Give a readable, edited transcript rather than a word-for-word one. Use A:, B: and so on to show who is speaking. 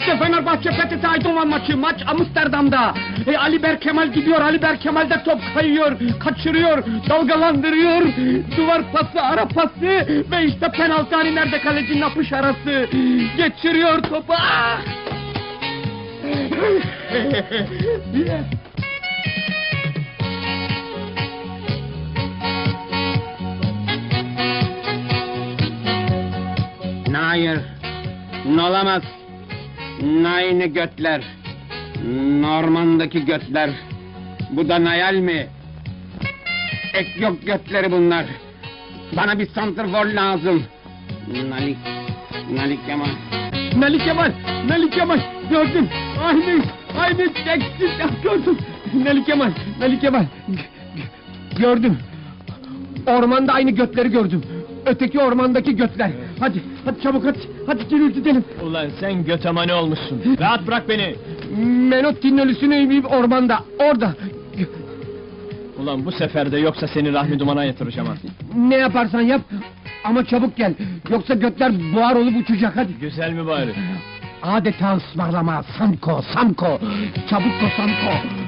A: İşte Fenerbahçe PTT Eindhoven maçı, maç Amsterdam'da. Ali Berkemal gidiyor, Ali Berkemal de top kayıyor, kaçırıyor, dalgalandırıyor. Duvar pası, ara pası ve işte penaltı, hani nerede kalecinin apış arası. Geçiriyor topu. Ah! Hayır, olamaz. Aynı götler. Norman'daki götler. Bu da Nayal mi? Ek yok götleri bunlar. Bana bir santrfor lazım. Nalik Kemal. Nalik Kemal. Gördüm. Aynı eksik gördüm. Nalik Kemal. Gördüm. Ormanda aynı götleri gördüm. Öteki ormandaki götler. Hadi çabuk hadi gidelim.
B: Ulan sen götemani olmuşsun. Rahat bırak beni.
A: Menotti'nin ölüsünü ormanda, orada.
B: Ulan bu sefer de yoksa seni Rahmi Duman'a yatıracağım ha.
A: Ne yaparsan yap ama çabuk gel. Yoksa götler buhar olup uçacak, hadi.
B: Güzel mi bari?
A: Adeta ısmarlama, Samko. Çabuk ko Samko.